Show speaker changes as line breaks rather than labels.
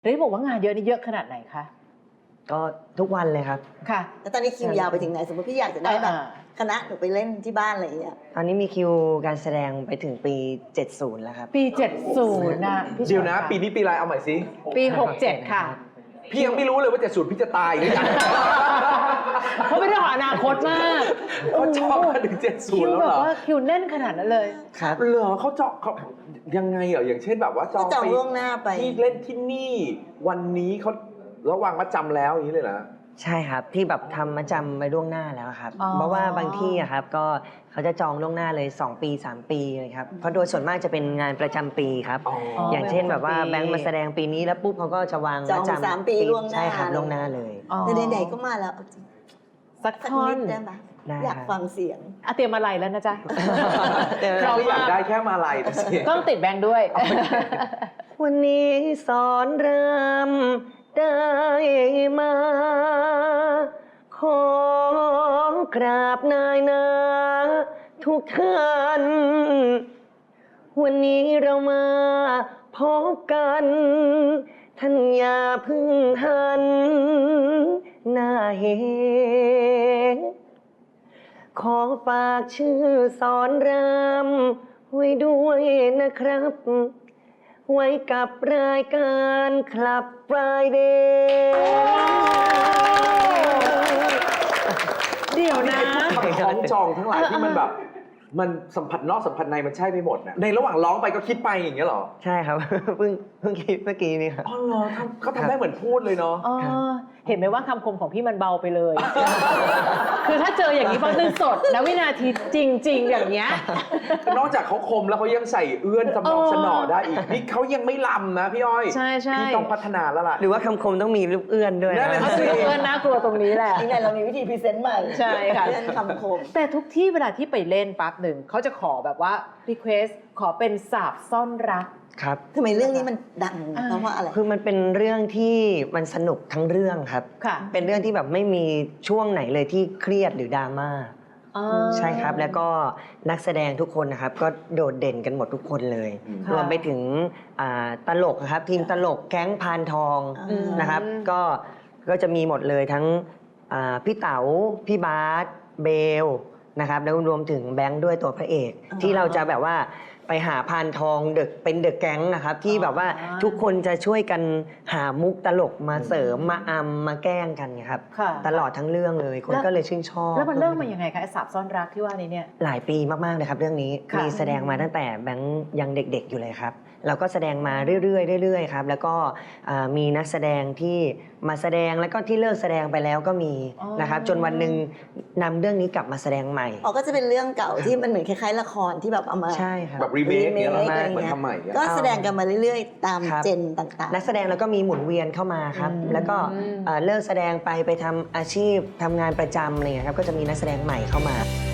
ได้บอกว่างานเยอะนี่เยอะขนาดไหนคะ
ก็ทุกวันเลยครับ
ค่ะ
แล้วตอนนี้คิวยาวไปถึงไหนสมมติพี่อยากจะได้แบบคณะหนูไปเล่นที่บ้านอะไรอย่างเงี้ย
ตอนนี้มีคิวการแสดงไปถึงปี 70 แล้วครับ
ปี 70นะพี่
เดี๋ยวนะปีนี้ปีอะไรเอาใหม่สิ
ปี 67 ค่ะ
พี่ยังไม่รู้เลยว่า70พี่จะตายหรือยัง
เพราะเป็นเรื่องของอนาคตมาก
เขาจองมาถึง70แล้วเหรอ
คิวแบบว่าคิวแน่นขนาดนั้นเลย
ครับ
เหรอเขาจองเขายังไงเหรออย่างเช่นแบบว่าจอง
จองล่วงหน้าไป
ที่เล่นที่นี่วันนี้เขาระวางมาจำแล้วอย่างนี้เลยเหรอ
ใช่ครับที่แบบทำมาจำไปล่วงหน้าแล้วครับ
อ๋อ
เพราะว่าบางที่อะครับก็เขาจะจองล่วงหน้าเลย2 ปี 3 ปีเลยครับเพราะโดยส่วนมากจะเป็นงานประจำปีครับ
อ๋อ
อย่างเช่นแบบว่าแบงค์มาแสดงปีนี้แล้วปุ๊บเขาก็จะวาง
จอง
มาจำ
3 ปีล่วงหน้า
ใช่ครับล่วงหน้าเลย
อ๋อ
แต่ไหนๆก็มาแล้วเอาจริง
สัก
สัก
ท่อ
นิ
น
ดได้ไหม
ได้
อยากฟังเสียง
เตรียมอะไรแล้วนะจ๊ะ
เราอยากได้แค่มาลัยนะสิ
ต้องติดแบงค์ด้วย
วันนี้สอนรำได้มา ขอกราบนายนาทุกท่าน วันนี้เรามาพบกัน ท่านอย่าเพึ่งหันหน้าเหขอฝากชื่อสอนรำไว้ด้วยนะครับ ไว้กับรายการคลับ Friday
เดี๋ยวนะ
คำคล้องจองทั้งหลายที่มันแบบ มันสัมผัสนอกสัมผัสในมันใช่ไปหมดนะในระหว่างร้องไปก็คิดไปอย่างเงี้ยเหรอ
ใช่ครับ เพิ่งคิดเมื่อกี้นี่ครับ
อ๋อเหรอเขาทำได้เหมือนพูดเลยเนาะ
อ๋อเห็นไหมว่าคำคมของพี่มันเบาไปเลย คือถ้าเจออย่างนี้บางทีสดนะวินาทีจริง ๆ อย่างเงี้ย
นอกจากเขาคมแล้วเขายังใส่เอื้อนสมองสนอได้อีกนี่เขายังไม่ลำนะพี่อ้อย
ใช่ใช่
พี่ต้องพัฒนาแล้วล่ะ
หรือว่าคำคมต้องมีลูกเอื้อนด้วย
นั่นแหละ
เอาสิเพื่อนน่ากลัวตรงนี้แหละ
นี่ไงเรามีวิธีพรีเซนต์ใหม่
ใช่ค่ะ
เรื่องคำคม
แต่ทุกที่เวลาที่ไปเล่นปั๊บหนึ่งเขาจะขอแบบว่า request ขอเป็นสาบซ่อนรัก
ครับ
ทำไมเรื่องนี้มันดังเพราะว่าอะไร
คือมันเป็นเรื่องที่มันสนุกทั้งเรื่องครับ
ค่ะ
เป็นเรื่องที่แบบไม่มีช่วงไหนเลยที่เครียดหรือดราม่า
อ๋อ
ใช่ครับ แล้วก็นักแสดงทุกคนนะครับก็โดดเด่นกันหมดทุกคนเลย
ค่ะ
รวมไปถึงตลกนะครับทีมตลกแก๊งพานทอง
อืม
นะครับก็จะมีหมดเลยทั้งพี่เต๋าพี่บาสเบลนะครับแล้วรวมถึงแบงค์ด้วยตัวพระเอก ที่เราจะแบบว่าไปหาพานทองเป็นเดอะแก๊งนะครับที่แบบว่าทุกคนจะช่วยกันหามุกตลกมาเสริมมาอำมาแกล้งกันไงครับ
ค่ะ
ตลอดทั้งเรื่องเลยคนก็เลยชื่นชอบ
แล้วมันเริ่มมายังไงคะไอ้สาบซ่อนรักที่ว่านี้เนี่ย
หลายปีมากๆเลยครับเรื่องนี้
ค่ะ
มีแสดงมาตั้งแต่แบงค์ยังเด็กๆอยู่เลยครับเราก็แสดงมาเรื่อยๆครับแล้วก็มีนักแสดงที่มาแสดงแล้วก็ที่เลิกแสดงไปแล้วก็มีนะครับจนวันหนึ่งนำเรื่องนี้กลับมาแสดงใหม่
อ๋อก็จะเป็นเรื่องเก่าที่มันเหมือนคล้ายๆละครที่แบบเอามา
ใช่ครับ
แบบรีเมคเนี้ยเหรอ
อะไร
เหมือน
เงี้ย
ทำใหม่เนี่ย
ก็แสดงกันมาเรื่อยๆ ตาม
ครับ
เจนต่าง
นักแสดงแล้วก็มีหมุนเวียนเข้ามาครับแล้วก็เลิกแสดงไปทำอาชีพทำงานประจำอะไรเงี้ยครับก็จะมีนักแสดงใหม่เข้ามา